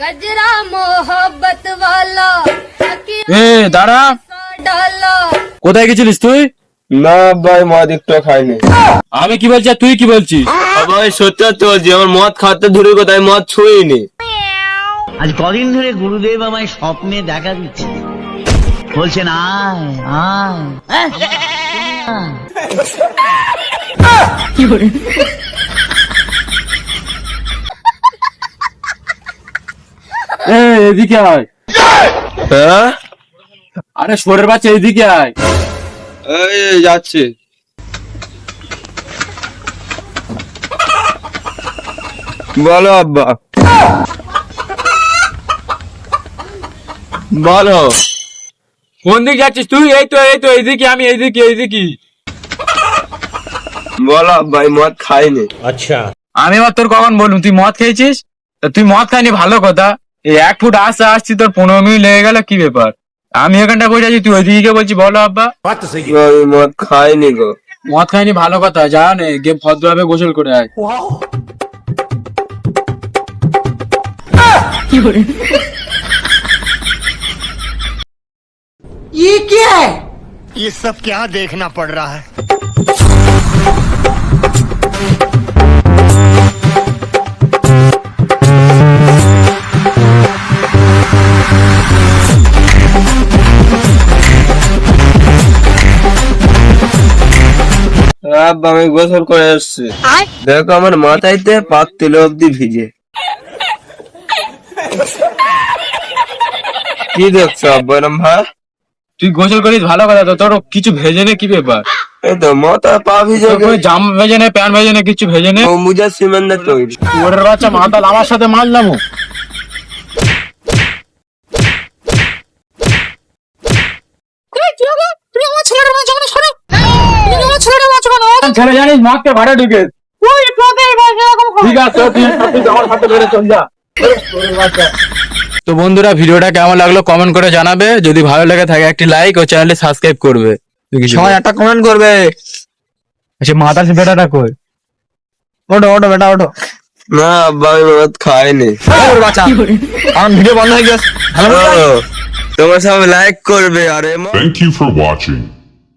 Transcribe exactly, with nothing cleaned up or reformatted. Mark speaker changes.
Speaker 1: गजरा मोहब्बत वाला
Speaker 2: এ দাঁড়া,
Speaker 1: डाला
Speaker 2: কোথায় গেছিলিস তুই?
Speaker 3: না ভাই মদ একটু খাইনি।
Speaker 2: আমি কি বলছি আর তুই কি বলছিস?
Speaker 3: ভাই সত্যি তো যে আমার মদ খাতে ধরে কোথায় মদ ছুঁইনি।
Speaker 4: আজ কদিন ধরে গুরুদেব আমায় স্বপ্নে দেখা দিচ্ছে, বলছেন আয় আয়
Speaker 2: এ এদিকে আয়।
Speaker 3: হ্যাঁ
Speaker 2: আরে শোরের বাচ্চা এদিকে আয়।
Speaker 3: এই যাচ্ছে। বলো আব্বা, বলো।
Speaker 2: কোন দিক যাচ্ছিস তুই? এই তো এই তো এইদিকে, আমি এইদিকে এইদিকে।
Speaker 3: বলো আব্বা, আমি মদ খাইনি।
Speaker 2: আমি আবার তোর কখন বলুন তুই মদ খেয়েছিস? তা তুই মদ খাইনি ভালো কথা, এই এক ফুট আসতে আসছি তোর পনেরো মিনিট লেগে গেল, কি ব্যাপার? আমি এখানটা বসে আছি, তুই ওইদিকে বলছি। বলো আব্বা।
Speaker 3: আমি মদ খাইনি গো।
Speaker 2: মদ খাইনি ভালো কথা, যা নে গিয়ে ভদ্রভাবে গোসল করে আয়।
Speaker 5: ये सब क्या देखना पड़ रहा है।
Speaker 3: আব্বা আমি গোসল করে এসছি, দেখো আমার মাথাইতে পাত তুলে অব্দি ভিজে। কি দেখছো আব্বা এরম ভাই?
Speaker 2: তুই গোসল করিস ভালো কথা, তো তোর কিছু ভেজে নে, কি ব্যাপার?
Speaker 3: এই তো মাথা পা ভিজে
Speaker 2: তোর কোনো জামা ভেজে নে, প্যান্ট ভেজে নে, কিছু ভেজে নে।
Speaker 3: মুজা সিমেন্টের তৈরি।
Speaker 2: ওরের বাচ্চা মাতাল, আমার সাথে মারলাম। ছেলে জানিস মাকে ভাড়া ঢুকে। ঠিক আছে তুই আমার সাথে বেড়ে চল যা। তো বন্ধুরা, ভিডিওটা কেমন লাগলো কমেন্ট করে জানাবে। যদি ভালো লেগে থাকে একটি লাইক ও চ্যানেলটি সাবস্ক্রাইব করবে।
Speaker 3: সবাই একটা কমেন্ট করবে।
Speaker 2: সে মাতাল সে বেটাটা কই? ওটো ওটো বেটা ওটো।
Speaker 3: না আব্বা আমি মদ খাইনি।
Speaker 2: বাচ্চা আমার ভিডিও বন্ধ হয়ে গেছে।
Speaker 3: ও, তোমরা সবাই লাইক করবে। আরে
Speaker 6: Thank you for watching.